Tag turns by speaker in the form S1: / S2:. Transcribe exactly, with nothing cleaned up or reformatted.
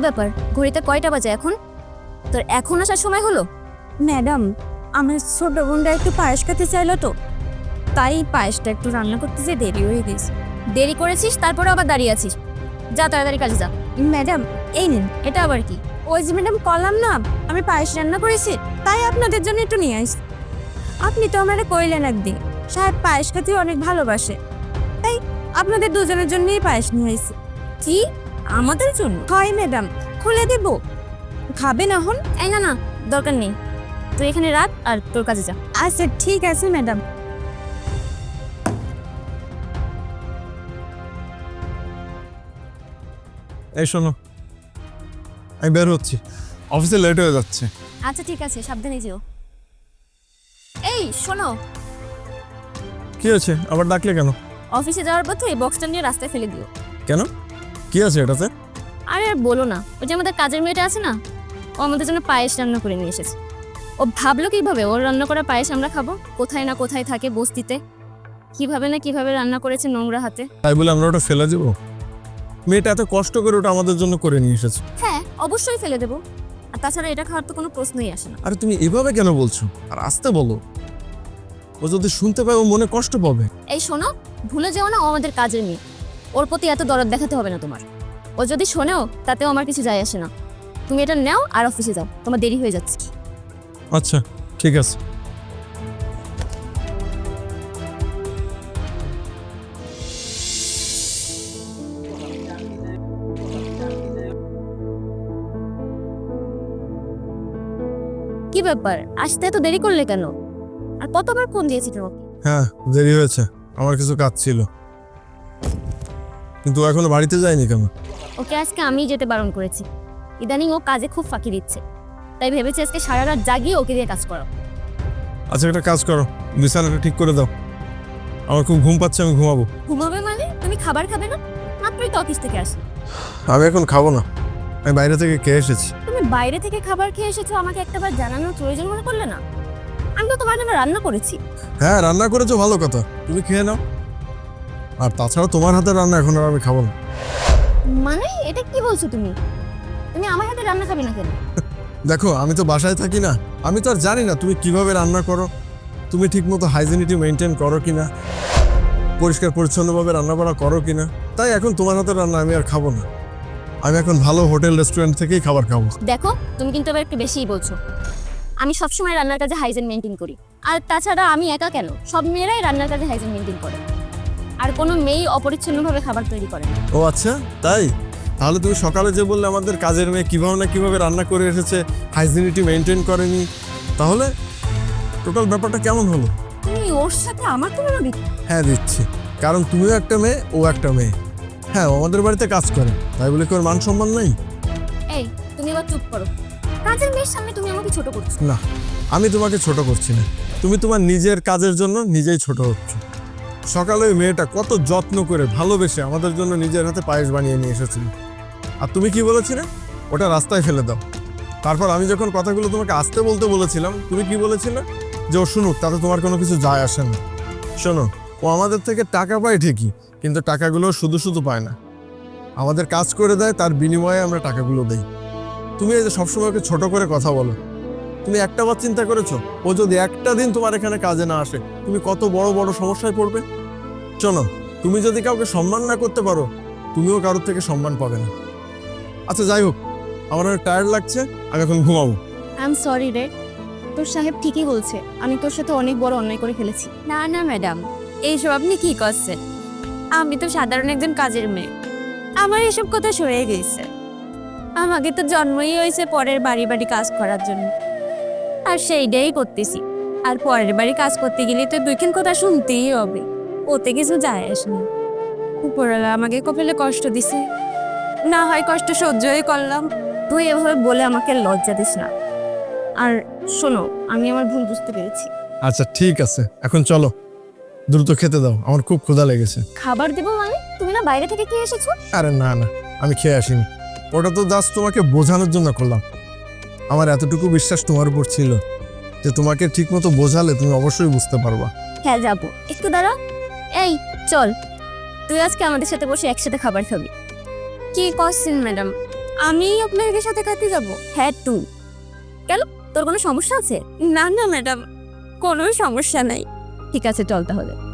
S1: ব্যাপার, ঘড়িতে কয়টা বাজে এখন? তোর এখন আসার সময় হলো?
S2: ম্যাডাম, আমার ছোট বোনটা একটু পায়েস খেতে চাইলো তো, তাই পায়েসটা একটু রান্না করতে যে দেরি হয়ে গেছে।
S1: দেরি করেছিস, তারপরে আবার দাঁড়িয়ে আছিস। যা তাড়াতাড়ি কাজে যা।
S2: ম্যাডাম, এই নিন।
S1: এটা আবার কি?
S2: ওই যে ম্যাডাম কলাম না, আমি পায়েস রান্না করেছি, তাই আপনাদের জন্য একটু নিয়ে আসি। আপনি তো আমারে কইলেন একদিন সাহেব পায়েস খেতে অনেক ভালোবাসে, তাই আপনাদের দুজনের জন্যই পায়েস নিয়ে আসি।
S1: কি আমাদের জন্য?
S2: হয় ম্যাডাম, খুলে দেব, খাবেন এখন?
S1: এই না না, দরকার নেই। তুই এখানে রাখ আর তোর কাজে যা।
S2: আচ্ছা ঠিক আছে ম্যাডাম।
S3: এই শোনো, আমি বের হচ্ছি, অফিসে লেট হয়ে যাচ্ছে।
S1: আচ্ছা ঠিক আছে, সাবধানে যেও। এই শোনো,
S3: কি আছে আবার ডাকলে কেন?
S1: অফিসে যাওয়ার পথে এই বক্সটা নিয়ে রাস্তায় ফেলে দিও।
S3: কেন, কি আছে এটাতে?
S1: আরে আর বলো না, ওই যে আমাদের কাজের মেয়েটা আছে না, ও আমাদের জন্য পায়েস রান্না করে নিয়ে এসেছে। ও ভাবলো কিভাবে ওর রান্না করা পায়েস আমরা খাবো? কোথায় না কোথায় থাকে বস্তিতে, কিভাবে না কিভাবে রান্না করেছে নোংরা হাতে।
S3: তাই বলে আমরা ওটা ফেলে দেবো? মেয়েটা এত কষ্ট করে ওটা আমাদের জন্য করে নিয়ে এসেছে।
S1: হ্যাঁ অবশ্যই ফেলে দেবো, আর তাছাড়া এটা খাওয়ার তো কোনো প্রশ্নই আসে না।
S3: আরে তুমি এভাবে কেন বলছো? আর আসতে বলো, ও যদি শুনতে পায় ও মনে কষ্ট পাবে।
S1: এই শোনো, ভুলে যেও না ও আমাদের কাজের মেয়ে, ওর প্রতি এত দরদ দেখাতে হবে না তোমার। ও যদি শোনেও তাতেও আমার কিছু যায় আসে না। তুমি এটা নাও আর অফিসে যাও, তোমার দেরি হয়ে যাচ্ছে।
S3: আচ্ছা ঠিক আছে।
S1: কি ব্যাপার, আসতে এত দেরি করলে কেন? আর কতবার ফোন দিয়েছি তোমাকে?
S3: হ্যাঁ দেরি হয়েছে, আমার কিছু কাজ ছিল, কিন্তু ও এখনো বাড়িতে যায়নি কেন?
S1: ওকে আজকে আমি যেতে বারণ করেছি। ইদানিং ও কাজে খুব ফাঁকি দিচ্ছে, তাই ভেবেছি আজকে সারা রাত জাগিয়ে ওকে দিয়ে কাজ করো।
S3: আচ্ছা একটা কাজ করো, বিছানাটা ঠিক করে দাও, আমার খুব ঘুম পাচ্ছে, আমি ঘুমাবো।
S1: ঘুমাবে মানে? তুমি খাবার খাবে না? মাত্রই তো অফিস থেকে আসি।
S3: আমি এখন খাবো না, আমি বাইরে থেকে খেয়ে এসেছি।
S1: তুমি বাইরে থেকে খাবার খেয়ে এসেছো, আমাকে একটাবার জানানোর প্রয়োজন মনে করলে না? আমি তো তোমার জন্য রান্না করেছি।
S3: হ্যাঁ রান্না করেছো, ভালো কথা, তুমি খেয়ে নাও। আর তাছাড়া তোমার হাতে রান্না এখন আর আমি খাবো না।
S1: মানে এটা কি বলছো তুমি? তুমি আমার হাতে রান্না খাবে না কেন?
S3: দেখো আমি তো বাসায় থাকি না, আমি তো আর জানি না তুমি কিভাবে রান্না করো, তুমি ঠিক মতো হাইজিনিটি মেনটেন করো কিনা, পরিষ্কার পরিচ্ছন্নভাবে রান্না বান্না করো কিনা। তাই এখন তোমার হাতে রান্না আমি আর খাবো না, আমি এখন ভালো হোটেল রেস্টুরেন্ট থেকেই খাবার খাবো।
S1: দেখো তুমি কিন্তু এবার একটু বেশিই বলছো। আমি সবসময় রান্নার কাজে হাইজিন মেনটেন করি, আর তাছাড়া আমি একা কেন, সব মেয়েরাই রান্নার কাজে হাইজিন মেনটেন করে, আর কোনো মেয়েই অপরিচ্ছন্নভাবে খাবার তৈরি করে না।
S3: ও আচ্ছা তাই? তাহলে তুমি সকালে যে বললে আমাদের কাজের মেয়ে কীভাবে না কীভাবে রান্না করে এসেছে, হাইজিনিটি মেনটেন করেনি, তাহলে টোটাল ব্যাপারটা কেমন হলো?
S1: তুমি ওর সাথে আমার তুলনা দিচ্ছ?
S3: হ্যাঁ দিচ্ছি, কারণ তুমিও একটা মেয়ে, ও একটা মেয়ে। হ্যাঁ ও আমাদের বাড়িতে কাজ করে, তাই বলে কি ওর মান সম্মান নেই?
S1: এই তুমি এবার চুপ করো, কাজের মেয়ের সামনে তুমি আমাকে ছোট করছো।
S3: না, আমি তোমাকে ছোট করছি না, তুমি তোমার নিজের কাজের জন্য নিজেই ছোট হচ্ছ। সকালে ওই মেয়েটা কত যত্ন করে ভালোবেসে আমাদের জন্য নিজের হাতে পায়েস বানিয়ে নিয়ে এসেছিল, আর তুমি কি বলেছিলে? ওটা রাস্তায় ফেলে দাও। তারপর আমি যখন কথাগুলো তোমাকে আসতে বলতে বলেছিলাম, তুমি কি বলেছিলে? যে ও শুনুক, তাতে তোমার কোনো কিছু যায় আসে না। শোনো, ও আমাদের থেকে টাকা পায় ঠিকই, কিন্তু টাকাগুলো শুধু শুধু পায় না, আমাদের কাজ করে দেয়, তার বিনিময়ে আমরা টাকাগুলো দেই। তুমি এই যে সবসময় ওকে ছোট করে কথা বলো, তুমি একটা বার চিন্তা করেছো ও যদি একটা দিন তোমার এখানে কাজে না আসে তুমি কত বড় বড় সমস্যায় পড়বে? শোনো, তুমি যদি কাউকে সম্মান না করতে পারো, তুমিও কারোর থেকে সম্মান পাবে না। আচ্ছা যাই হোক, আমার অনেক টায়ার্ড লাগছে, আমি এখন ঘুমাবো।
S1: আই এম সরি রে, তোর সাহেব ঠিকই বলছে, আমি তোর সাথে অনেক বড় অন্যায় করে ফেলেছি।
S2: না না ম্যাডাম, এইসব আপনি কি করছেন? আমি তো সাধারণ একজন কাজের মেয়ে, আমার এসব কথা সরে গেছে। আমাকে তো জন্মই হয়েছে পরের বাড়ি বাড়ি কাজ করার জন্য, আর সেইটাই করতেছি। আর পরের বাড়ি কাজ করতে গেলে তো দুইখান কথা শুনতেই হবে, ওতে কিছু যায় আসে না। উপরওয়ালা আমাকে কপালে কষ্ট দিছে, না হয় কষ্ট সহ্যই করলাম।
S1: তুই এভাবে বলে আমাকে লজ্জা দিস না। আর শোনো, আমি আমার ভুল বুঝতে পেরেছি।
S3: আচ্ছা ঠিক আছে, এখন চলো, দ্রুত খেতে দাও, আমার খুব ক্ষুধা লেগেছে।
S1: খাবার দেবো মানে? তুমি না বাইরে থেকে খেয়ে এসেছো?
S3: আরে না না, আমি খেয়ে আসিনি, ওটা তো জাস্ট তোমাকে বোঝানোর জন্য করলাম। আমার এতটুকু বিশ্বাস তোমার উপর ছিল যে তোমাকে ঠিকমতো বোঝালে তুমি অবশ্যই বুঝতে পারবা।
S1: হ্যাঁ যাবো, একটু দাঁড়া। এই চল, তুই আজকে আমাদের সাথে বসে একসাথে খাবার খাবি।
S2: কি করছেন ম্যাডাম?
S1: আমি আপনাদের সাথে খাইতে যাব? হ্যাঁ টু। কেন, তোর কোনো সমস্যা আছে?
S2: না না ম্যাডাম, কোনো সমস্যা নাই।
S1: ঠিক আছে চল তাহলে।